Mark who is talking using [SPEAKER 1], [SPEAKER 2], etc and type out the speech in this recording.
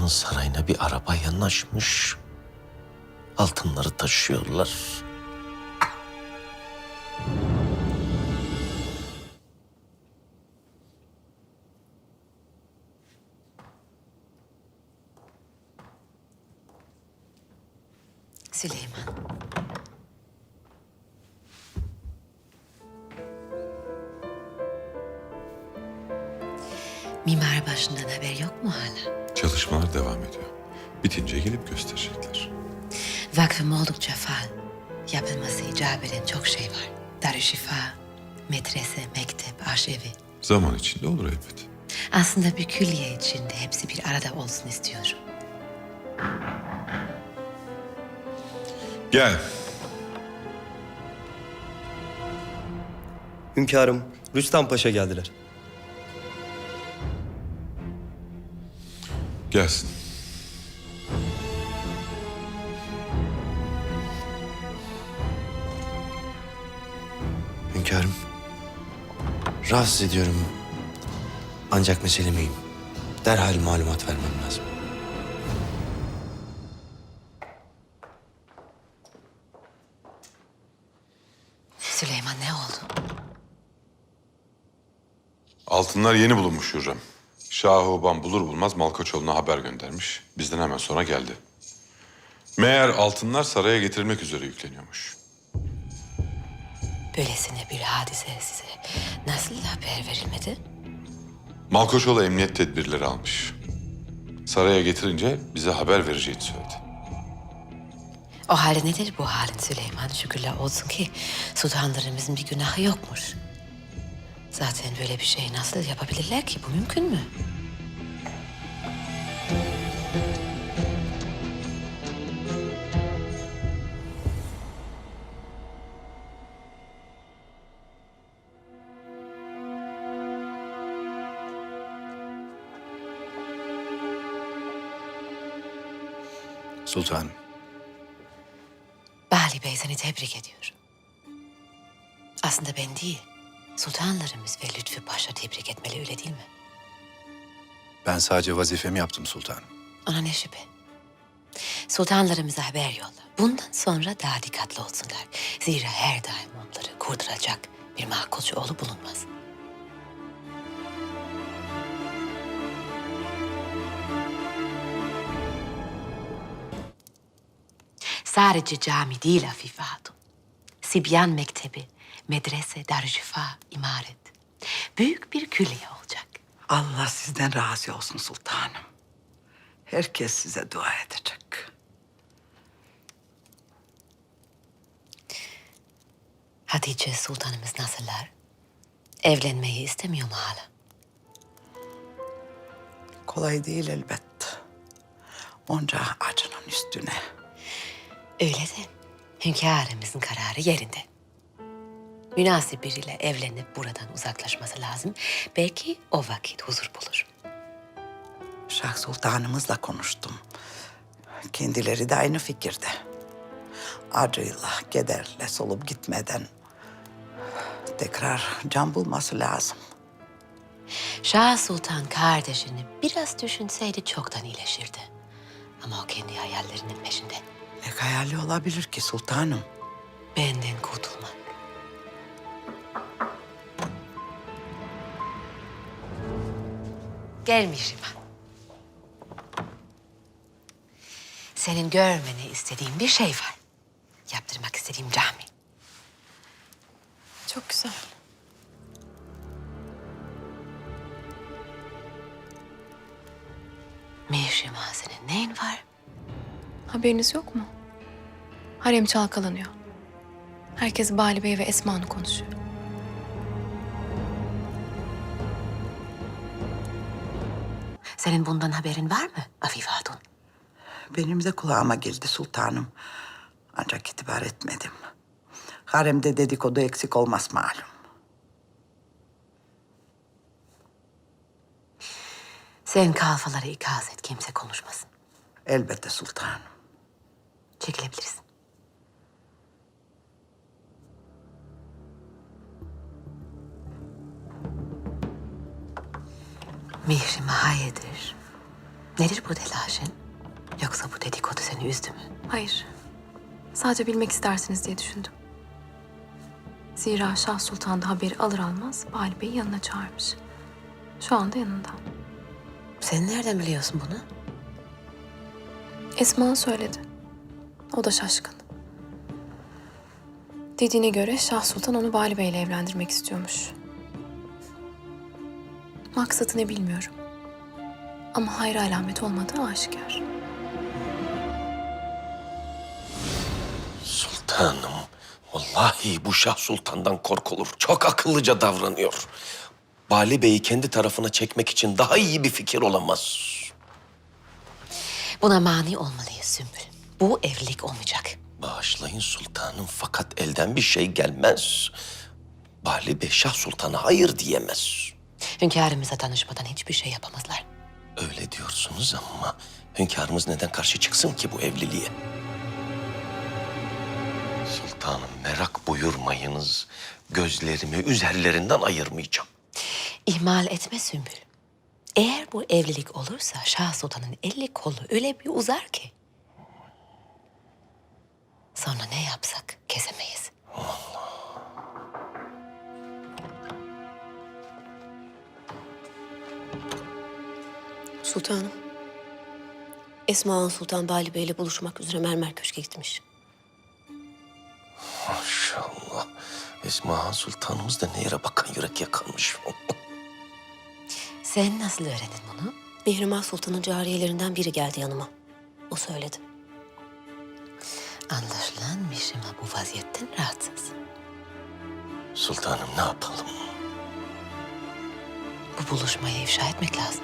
[SPEAKER 1] sarayına bir araba yanaşmış. Altınları taşıyorlar.
[SPEAKER 2] Süleyman. Mimar başından haber yok mu hala?
[SPEAKER 3] Çalışmalar devam ediyor. Bitince gelip gösterecekler.
[SPEAKER 2] Vakfım oldukça faal. Yapılması icap eden çok şey var. Darüşşifa, medrese, mektep, aşevi.
[SPEAKER 3] Zaman içinde olur elbet.
[SPEAKER 2] Aslında bir külliye içinde hepsi bir arada olsun istiyorum.
[SPEAKER 3] Gel.
[SPEAKER 4] Hünkârım, Rüstem Paşa geldiler.
[SPEAKER 3] Gelsin.
[SPEAKER 1] Hünkârım, rahatsız ediyorum. Ancak mesele mühim. Derhal malumat vermem lazım.
[SPEAKER 2] Süleyman ne oldu?
[SPEAKER 3] Altınlar yeni bulunmuş Hürrem. Şah-ı bulur bulmaz Malkoçoğlu'na haber göndermiş. Bizden hemen sonra geldi. Meğer altınlar saraya getirilmek üzere yükleniyormuş.
[SPEAKER 2] Böylesine bir hadise size nasıl haber verilmedi?
[SPEAKER 3] Malkoçoğlu emniyet tedbirleri almış. Saraya getirince bize haber vereceğini söyledi.
[SPEAKER 2] O halde nedir bu halin Süleyman? Şükürler olsun ki sultanlarımızın bir günahı yokmuş. Zaten böyle bir şey nasıl yapabilirler ki? Bu mümkün mü?
[SPEAKER 5] Sultanım.
[SPEAKER 2] Bali Bey seni tebrik ediyorum. Aslında ben değil, sultanlarımız ve Lütfü Paşa tebrik etmeli öyle değil mi?
[SPEAKER 5] Ben sadece vazifemi yaptım sultanım.
[SPEAKER 2] Ona ne şüphe. Sultanlarımıza haber yolla. Bundan sonra daha dikkatli olsunlar. Zira her daim onları kurduracak bir makulcu oğlu bulunmaz. Sadece cami değil Afife Hatun. Sibyan Mektebi, medrese, darüşşifa, imaret. Büyük bir külliye olacak.
[SPEAKER 6] Allah sizden razı olsun sultanım. Herkes size dua edecek.
[SPEAKER 2] Hatice sultanımız nasıllar? Evlenmeyi istemiyor mu hala?
[SPEAKER 6] Kolay değil elbet. Onca acının üstüne.
[SPEAKER 2] Öyle de hünkârımızın kararı yerinde. Münasip biriyle evlenip buradan uzaklaşması lazım. Belki o vakit huzur bulur.
[SPEAKER 6] Şah sultanımızla konuştum. Kendileri de aynı fikirde. Acıyla, kederle solup gitmeden tekrar can bulması lazım.
[SPEAKER 2] Şah Sultan kardeşini biraz düşünseydi çoktan iyileşirdi. Ama o kendi hayallerinin peşinde.
[SPEAKER 6] Ne hayali olabilir ki sultanım?
[SPEAKER 2] Benden kurtulmak. Gelmişim. Senin görmeni istediğim bir şey var. Yaptırmak istediğim cami.
[SPEAKER 7] Çok güzel.
[SPEAKER 2] Mihrimah senin neyin var?
[SPEAKER 7] Haberiniz yok mu? Harem çalkalanıyor. Herkes Bali Bey ve Esma'nı konuşuyor.
[SPEAKER 2] Senin bundan haberin var mı Afife Hatun?
[SPEAKER 6] Benim de kulağıma girdi sultanım. Ancak itibar etmedim. Haremde dedikodu eksik olmaz malum.
[SPEAKER 2] Sen kalfaları ikaz et, kimse konuşmasın.
[SPEAKER 6] Elbette sultanım.
[SPEAKER 2] Çekilebilirsin. Mihrimah hayırdır? Nedir bu telaşın? Yoksa bu dedikodu seni üzdü mü?
[SPEAKER 7] Hayır. Sadece bilmek istersiniz diye düşündüm. Zira Şah Sultan da haberi alır almaz Bali Bey'i yanına çağırmış. Şu anda yanında.
[SPEAKER 2] Sen nereden biliyorsun bunu?
[SPEAKER 7] Esma söyledi. O da şaşkın. Dediğine göre Şah Sultan onu Bali Bey'le evlendirmek istiyormuş. Maksatı ne bilmiyorum. Ama hayra alamet olmadığı aşikar.
[SPEAKER 1] Sultanım, vallahi bu Şah Sultan'dan korkulur. Çok akıllıca davranıyor. Bali Bey'i kendi tarafına çekmek için daha iyi bir fikir olamaz.
[SPEAKER 2] Buna mani olmalıyız Sümbül. Bu evlilik olmayacak.
[SPEAKER 1] Bağışlayın sultanım fakat elden bir şey gelmez. Bali Bey Şah Sultan'a hayır diyemez.
[SPEAKER 2] Hünkârımıza tanışmadan hiçbir şey yapamazlar.
[SPEAKER 1] Öyle diyorsunuz ama hünkârımız neden karşı çıksın ki bu evliliğe? Sultanım merak buyurmayınız. Gözlerimi üzerlerinden ayırmayacağım.
[SPEAKER 2] İhmal etme Sümbül. Eğer bu evlilik olursa Şah Sultan'ın eli kolu öyle bir uzar ki. Sonra ne yapsak kesemeyiz.
[SPEAKER 8] Sultanım. Esma Han Sultan Bali Bey ile buluşmak üzere Mermer Köşk'e gitmiş.
[SPEAKER 1] Maşallah. Esma Han Sultanımız da ne yere bakan yürek yakanmış.
[SPEAKER 2] Sen nasıl öğrendin bunu?
[SPEAKER 8] Mihrimah Sultan'ın cariyelerinden biri geldi yanıma. O söyledi.
[SPEAKER 2] Anlaşılan Mişima bu vaziyetten rahatsız.
[SPEAKER 1] Sultanım ne yapalım?
[SPEAKER 2] Bu buluşmayı ifşa etmek lazım.